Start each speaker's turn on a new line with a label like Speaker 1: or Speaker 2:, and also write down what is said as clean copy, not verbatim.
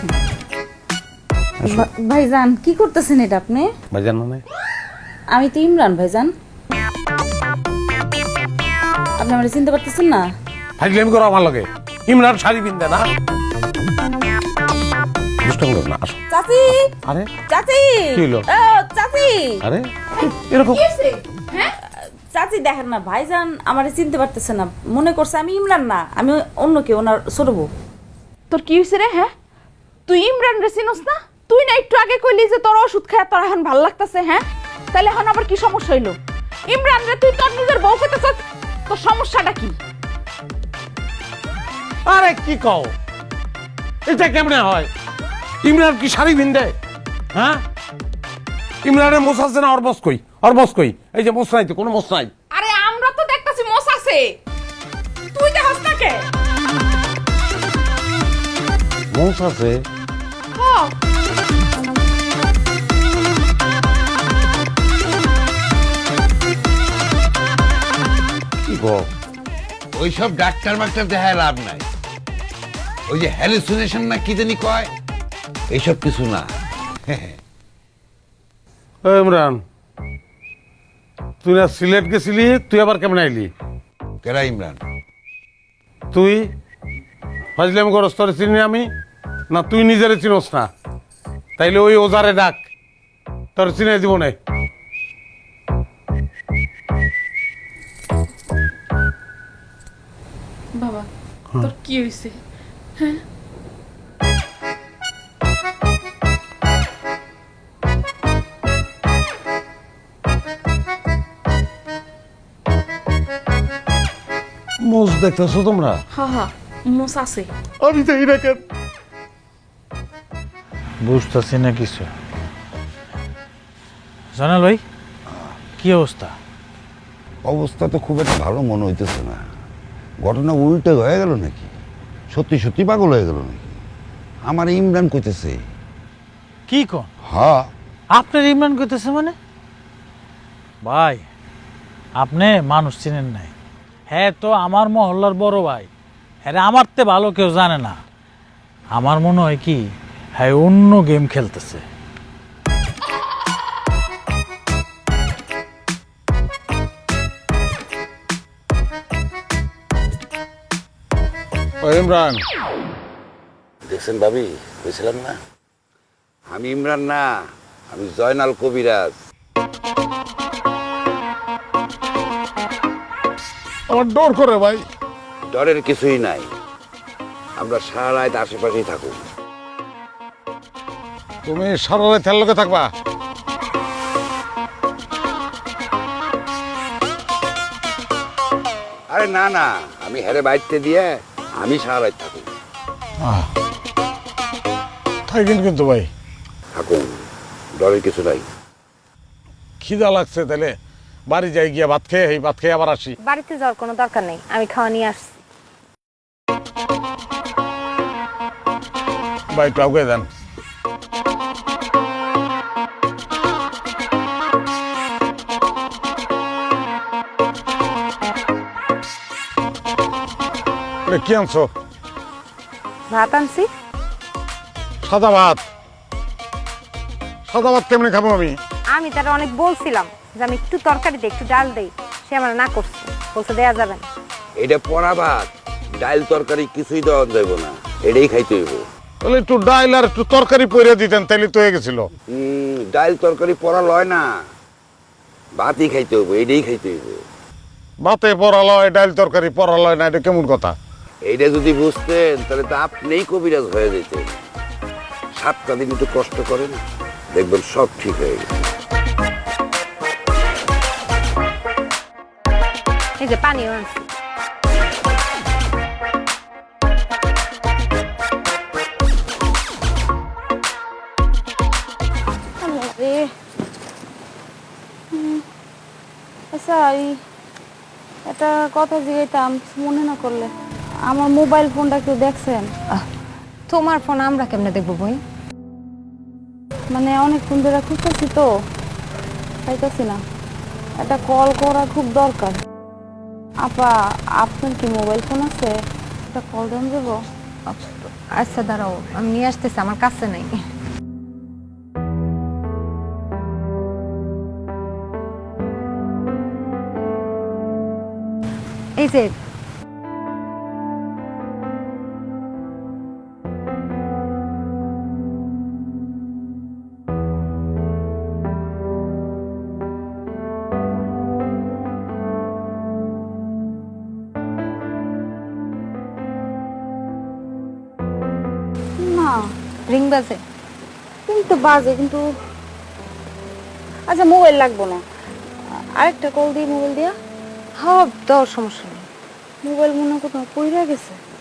Speaker 1: ভাইজান কি করতেছেন এটা আপনি?
Speaker 2: ভাইজান মানে
Speaker 1: আমি তো ইমরান ভাইজান। আপনি আমার চিনতে পারতেছেন না?
Speaker 2: ফাইজলামি করো আমার লগে। ইমরান শাড়ি পিনতে না দুষ্টামি করো না, আসো।
Speaker 1: চাচি,
Speaker 2: আরে
Speaker 1: চাচি,
Speaker 2: কি হলো?
Speaker 1: চাচি,
Speaker 2: আরে এরকম
Speaker 1: চাচি দেখেন না, ভাইজান আমারে চিনতে পারতেছে না, মনে করছে আমি ইমরান না, আমি অন্য কেউ, ওনার ছোট বউ।
Speaker 3: তোর কি হয়েছে রে? হ্যাঁ, তুই ইমরান রে চিনস না? তুই না একটু আগে কইলি যে তোর ওষুধ খায় তোর এখন ভাল লাগতেছে। হ্যাঁ, তাহলে এখন আবার কি সমস্যা হইলো? ইমরান রে তুই তোর নিজের বউ কইতেছস, তোর সমস্যাটা কি?
Speaker 2: আরে কি কও, এটা কেমনে হয়? ইমরান কি শাড়ি পিনতে? হ্যাঁ, ইমরানের মোছ আছে না? ওর বস কই? এই যে মোছ নাই তো, কোনো মোছ নাই।
Speaker 3: আরে আমরা তো দেখতাছি মোস আছে, তুই দেখছ না কে?
Speaker 2: মোছ আছে?
Speaker 3: হ্যাঁ,
Speaker 2: কি কও?
Speaker 4: ওইসব ডাক্তার মাক্তার দেখায় লাভ নাই। ওই যে হ্যালুসিনেশন না কি জানি কয়, এইসব কিছু না।
Speaker 2: এই ইমরান, তুই না সিলেট গেছিলি, তুই আবার কেমন আইলি?
Speaker 4: কেরা ইমরান?
Speaker 2: তুই ফাজলামি করস, তোরে চিনি আমি না? তুই নিজেরে চিনস না? তাইলে ওই ওজারে ডাক, তোর চিনে দিব না।
Speaker 3: বাবা তোর কি হইছে?
Speaker 2: মোজ দেখতেছো তোমরা?
Speaker 3: হ্যাঁ হ্যাঁ, মোস আছে।
Speaker 2: আমি তো এটা কেন
Speaker 5: বুঝতেছি না কিছু। জানাল ভাই, কি অবস্থা?
Speaker 4: অবস্থা তো খুব একটা ভালো মনে হইতেছে না। ঘটনা উল্টে হয়ে গেল নাকি? সত্যি সত্যি পাগল হয়ে গেল নাকি? আমার ইমরান কইতেছে।
Speaker 5: কি কোন?
Speaker 4: হ্যাঁ,
Speaker 5: আপনার ইমরান করতেছে মানে? ভাই, আপনি মানুষ চিনেন নাই। হ্যাঁ তো আমার মহল্লার বড় ভাই, হ্যাঁ আমার তে ভালো কেউ জানে না। আমার মনে হয় কি, হ্যাঁ অন্য গেম খেলতেছে।
Speaker 2: ও ইমরান,
Speaker 4: দেখছেন ভাবি, বুঝছিলাম না আমি ইমরান না, আমি জয়নাল কবিরাজ।
Speaker 2: আমার ডর করে ভাই।
Speaker 4: ডরের কিছুই নাই, আমরা সারা রাত আশেপাশেই থাকুক।
Speaker 2: তুমি সারা রাত তেল লোকে থাকবা?
Speaker 4: আরে না না, আমি হেরে বাইতে দিয়ে আমি সারা রাত থাকুক।
Speaker 2: থাকেন কিন্তু ভাই,
Speaker 4: থাকুন, ডরের কিছু নাই।
Speaker 2: খিদা লাগছে, তাহলে বাড়ি যাই গিয়া ভাত খেয়ে আবার আসি।
Speaker 6: বাড়িতে যাওয়ার কোনো দরকার নেই, আমি খাওয়া নিয়ে আসছি।
Speaker 2: ভাই একটু আগে দেন। কি আনছো?
Speaker 6: ভাত আনছি।
Speaker 2: সাদা ভাত? সাদা ভাত কেমনে খাবো আমি?
Speaker 6: আমি তার অনেক বলছিলাম যে আমি একটু তরকারি দিই, একটু ডাল দেই, সে আমার না করছে, বলছে দেয়া যাবে না।
Speaker 4: এটা পড়া ভাত, ডাল তরকারি কিছুই দেওয়া যাইব না, এটাই খাইতে হইব।
Speaker 2: তাহলে একটু ডাইল আর একটু তরকারি পরে দিতেন, তাইলে তো হয়ে গেছিল।
Speaker 4: ডাল তরকারি পড়া লয় না, ভাতই খাইতে হইব, এটাই খাইতে হইব।
Speaker 2: ভাতে পড়ালয়, ডাইল তরকারি পড়ালয় না, এটা কেমন কথা?
Speaker 4: এইটা যদি বুঝতেন তাহলে তো আপনিই কবিরাজ হয়ে যেতেন। 7টা দিন একটু কষ্ট করেন, দেখবেন সব ঠিক হয়ে গেছে।
Speaker 6: এই যে পানিও আনছি।
Speaker 1: আচ্ছা, একটা কথা জিজ্ঞাইতাম, মনে না করলে। আমার মোবাইল ফোনটা কেউ দেখছেন?
Speaker 6: তোমার ফোন আমরা কেমনে দেখবো বই?
Speaker 1: মানে অনেকক্ষণ ধরে খুঁজতেছি তো, পাইতেছি না। একটা কল করা খুব দরকার। আপা, আপনার কি মোবাইল ফোন আছে? একটা কল দেন দেবো?
Speaker 6: আচ্ছা দাঁড়াও, আমি নিয়ে আসতেছি, আমার কাছে নাই। এই যে
Speaker 1: না,
Speaker 6: রিং বাজে।
Speaker 1: কিন্তু বাজে, কিন্তু আচ্ছা মোবাইল লাগবো না, আরেকটা কল দিই মোবাইল দিয়া।
Speaker 6: হ্যাঁ, দেওয়ার সমস্যা নেই।
Speaker 1: মোবাইল মনে হয় কোথাও পড়ে গেছে।